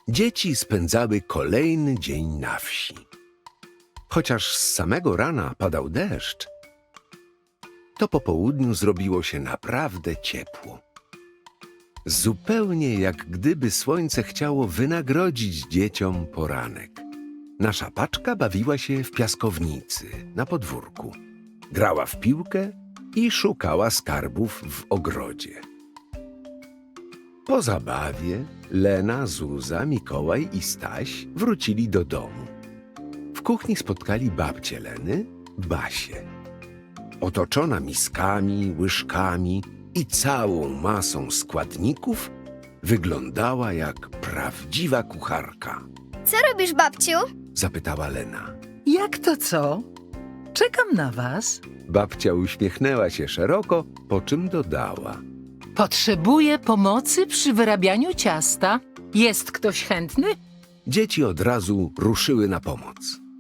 dzieci spędzały kolejny dzień na wsi. Chociaż z samego rana padał deszcz, to po południu zrobiło się naprawdę ciepło. Zupełnie jak gdyby słońce chciało wynagrodzić dzieciom poranek. Nasza paczka bawiła się w piaskownicy na podwórku. Grała w piłkę i szukała skarbów w ogrodzie. Po zabawie Lena, Zuza, Mikołaj i Staś wrócili do domu. W kuchni spotkali babcię Leny, Basię. Otoczona miskami, łyżkami i całą masą składników, wyglądała jak prawdziwa kucharka. Co robisz, babciu? Zapytała Lena. Jak to co? Czekam na was. Babcia uśmiechnęła się szeroko, po czym dodała. Potrzebuję pomocy przy wyrabianiu ciasta. Jest ktoś chętny? Dzieci od razu ruszyły na pomoc.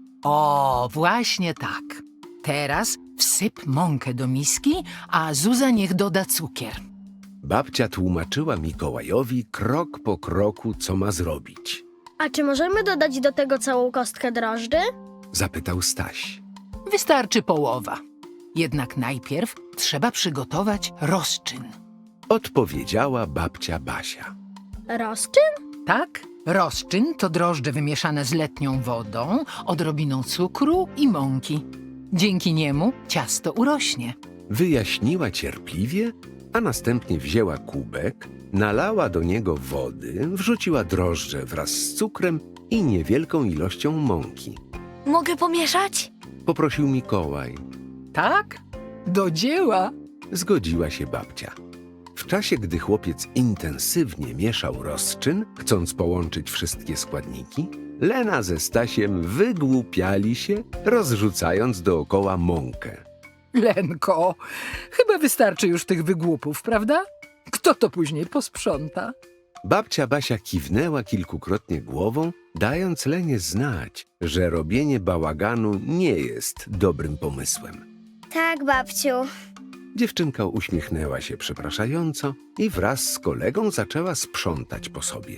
O, właśnie tak. Teraz wsyp mąkę do miski, a Zuza niech doda cukier. Babcia tłumaczyła Mikołajowi krok po kroku, co ma zrobić. A czy możemy dodać do tego całą kostkę drożdży? Zapytał Staś. Wystarczy połowa. Jednak najpierw trzeba przygotować rozczyn. Odpowiedziała babcia Basia. Rozczyn? Tak? Rozczyn to drożdże wymieszane z letnią wodą, odrobiną cukru i mąki. Dzięki niemu ciasto urośnie. Wyjaśniła cierpliwie, a następnie wzięła kubek, nalała do niego wody, wrzuciła drożdże wraz z cukrem i niewielką ilością mąki. Mogę pomieszać? Poprosił Mikołaj. Tak? Do dzieła! Zgodziła się babcia. W czasie, gdy chłopiec intensywnie mieszał rozczyn, chcąc połączyć wszystkie składniki, Lena ze Stasiem wygłupiali się, rozrzucając dookoła mąkę. Lenko, chyba wystarczy już tych wygłupów, prawda? Kto to później posprząta? Babcia Basia kiwnęła kilkukrotnie głową, dając Lenie znać, że robienie bałaganu nie jest dobrym pomysłem. Tak, babciu. Dziewczynka uśmiechnęła się przepraszająco i wraz z kolegą zaczęła sprzątać po sobie.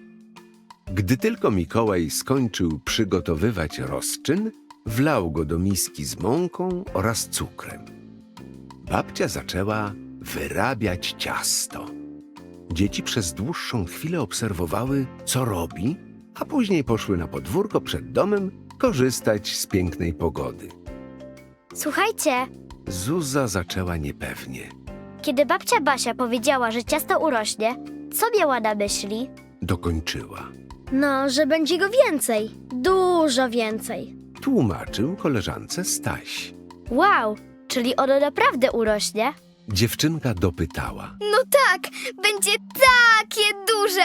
Gdy tylko Mikołaj skończył przygotowywać rozczyn, wlał go do miski z mąką oraz cukrem. Babcia zaczęła wyrabiać ciasto. Dzieci przez dłuższą chwilę obserwowały, co robi, a później poszły na podwórko przed domem korzystać z pięknej pogody. Słuchajcie, Zuza zaczęła niepewnie. kiedy babcia Basia powiedziała, że ciasto urośnie, co miała na myśli? Dokończyła. No, że będzie go więcej. Dużo więcej. Tłumaczył koleżance Staś. Wow, czyli ono naprawdę urośnie? Dziewczynka dopytała. No tak, będzie takie duże.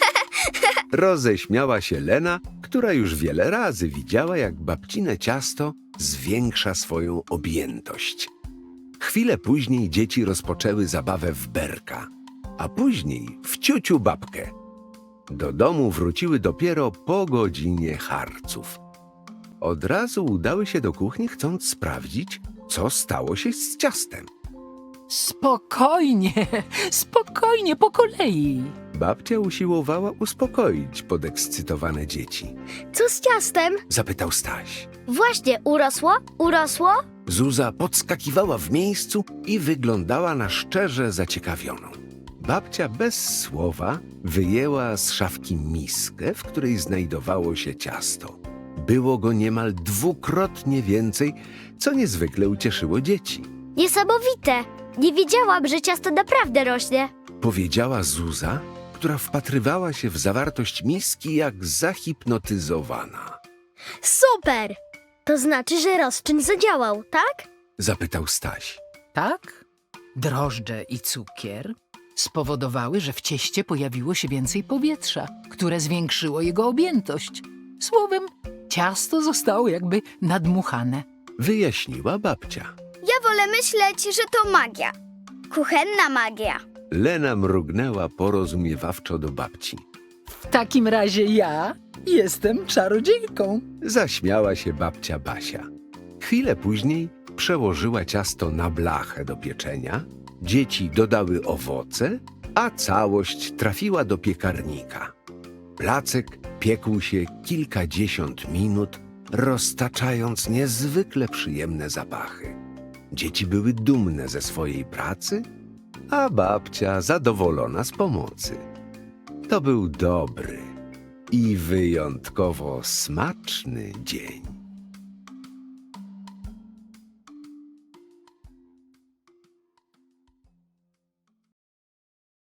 Roześmiała się Lena, która już wiele razy widziała, jak babcine ciasto zwiększa swoją objętość. Chwilę później dzieci rozpoczęły zabawę w berka, a później w ciuciu babkę. Do domu wróciły dopiero po godzinie harców. Od razu udały się do kuchni, chcąc sprawdzić, co stało się z ciastem. Spokojnie, spokojnie, po kolei. Babcia usiłowała uspokoić podekscytowane dzieci. Co z ciastem? Zapytał Staś. Właśnie, urosło? Urosło? Zuza podskakiwała w miejscu i wyglądała na szczerze zaciekawioną. Babcia bez słowa wyjęła z szafki miskę, w której znajdowało się ciasto. Było go niemal dwukrotnie więcej, co niezwykle ucieszyło dzieci. Niesamowite! Nie wiedziałam, że ciasto naprawdę rośnie. Powiedziała Zuza, która wpatrywała się w zawartość miski jak zahipnotyzowana. Super! To znaczy, że rozczyn zadziałał, tak? Zapytał Staś. Tak? Drożdże i cukier spowodowały, że w cieście pojawiło się więcej powietrza, które zwiększyło jego objętość. Słowem, ciasto zostało jakby nadmuchane. Wyjaśniła babcia. Ja wolę myśleć, że to magia. Kuchenna magia. Lena mrugnęła porozumiewawczo do babci. W takim razie ja jestem czarodziejką. Zaśmiała się babcia Basia. Chwilę później przełożyła ciasto na blachę do pieczenia, dzieci dodały owoce, a całość trafiła do piekarnika. Placek piekł się kilkadziesiąt minut, roztaczając niezwykle przyjemne zapachy. Dzieci były dumne ze swojej pracy, a babcia zadowolona z pomocy. To był dobry i wyjątkowo smaczny dzień.